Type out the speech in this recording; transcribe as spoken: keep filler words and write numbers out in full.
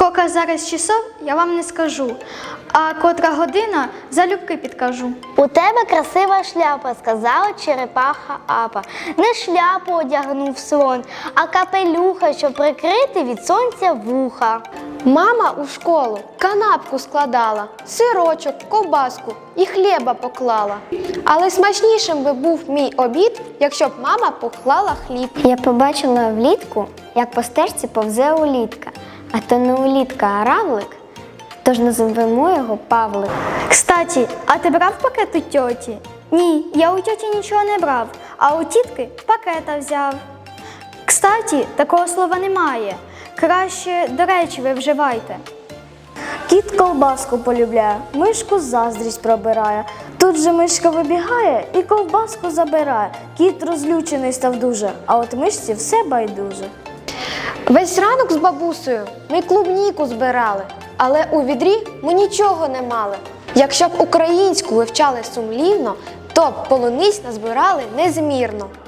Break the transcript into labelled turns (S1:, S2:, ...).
S1: Скільки зараз часов, я вам не скажу, а котра година залюбки підкажу.
S2: У тебе красива шляпа, сказала черепаха Апа. Не шляпу одягнув слон, а капелюха, щоб прикрити від сонця вуха.
S3: Мама у школу канапку складала, сирочок, ковбаску і хліба поклала. Але смачнішим би був мій обід, якщо б мама поклала хліб.
S2: Я побачила влітку, як по стежці повзе улітка. А то не улітка, а равлик, тож називемо його Павлик.
S1: Кстати, а ти брав пакет у тьоті? Ні, я у тьоті нічого не брав, а у тітки пакета взяв. Кстати, такого слова немає. Краще до речі ви вживайте.
S4: Кіт ковбаску полюбляє, мишку заздрість пробирає. Тут же мишка вибігає і ковбаску забирає. Кіт розлючений став дуже, а от мишці все байдуже.
S3: Весь ранок з бабусею ми клубніку збирали, але у відрі ми нічого не мали. Якщо б українську вивчали сумлінно, то б полуниць назбирали незмірно.